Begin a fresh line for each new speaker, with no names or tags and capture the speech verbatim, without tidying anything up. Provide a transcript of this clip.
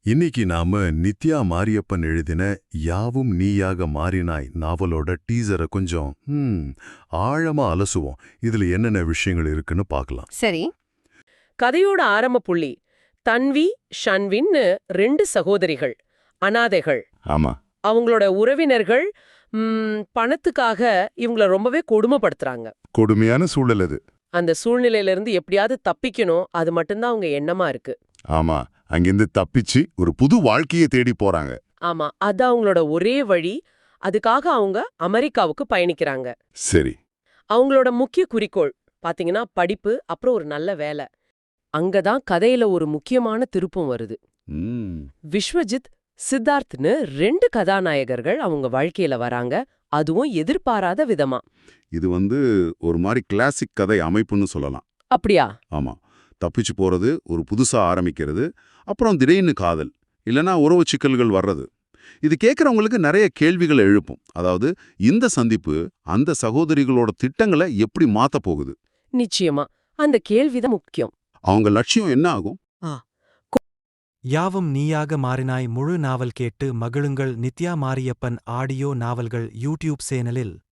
இன்னைக்கு நாம நித்யா மாரியப்பன் எழுதின யாவும் நீயாக மாறினாய் நாவலோட டீசரை கொஞ்சம் ஹம், ஆழமா அலசுவோம். இதுல என்னென்ன விஷயங்கள் இருக்குன்னு பார்க்கலாம்.
சரி.
கதையோட ஆரம்ப புள்ளி தன்வி ஷன்வின்னு ரெண்டு சகோதரிகள், அனாதைகள்.
ஆமா.
அவங்களோட உறவினர்கள் ம், பணத்துக்காக இவங்கள ரொம்பவே கொடுமைப்படுத்துறாங்க.
கொடுமையான சூழல் அது.
அந்த சூழ்நிலையில இருந்து எப்படியாவது தப்பிக்கணும், அது மட்டும்தான் அவங்க எண்ணமா இருக்கு.
ஆமா, அங்கிருந்து தப்பிச்சு ஒரு புது வாழ்க்கையை தேடி போறாங்க.
ஆமா, அது அவங்களோட ஒரே வழி. அதுக்காக அவங்க அமெரிக்காவுக்கு பயணிக்கிறாங்க.
சரி.
அவங்களோட முக்கிய குறிக்கோள் பாத்தீங்கன்னா படிப்பு, அப்புறம் ஒரு நல்ல வேலை. அங்கதான் கதையில ஒரு முக்கியமான திருப்பம் வருது.
ம்,
விஸ்வஜித், சித்தார்த்னு ரெண்டு கதாநாயகர்கள் அவங்க வாழ்க்கையில வராங்க, அதுவும் எதிர்பாராத விதமா.
இது வந்து ஒரு மாதிரி கிளாசிக் கதை அமைப்புன்னு சொல்லலாம்.
அப்படியா?
ஆமா, தப்பிச்சு போறது, ஒரு புதுசா ஆரம்பிக்கிறது, அப்புறம் திடீர்னு காதல் இல்லனா உறவு சிக்கல்கள் வர்றது. இது கேட்கறவங்களுக்கு நிறைய கேள்விகளை எழுப்பும். அதாவது இந்த சந்திப்பு அந்த சகோதரிகளோட திட்டங்களை எப்படி மாத்த போகுது,
நிச்சயமா அந்த கேள்விதான் முக்கியம்.
அவங்க லட்சியம் என்ன ஆகும்.
யாவும் நீயாக மாறினாய் முழு நாவல் கேட்டு மகிழுங்கள். நித்யா மாரியப்பன் ஆடியோ நாவல்கள் யூடியூப் சேனலில்.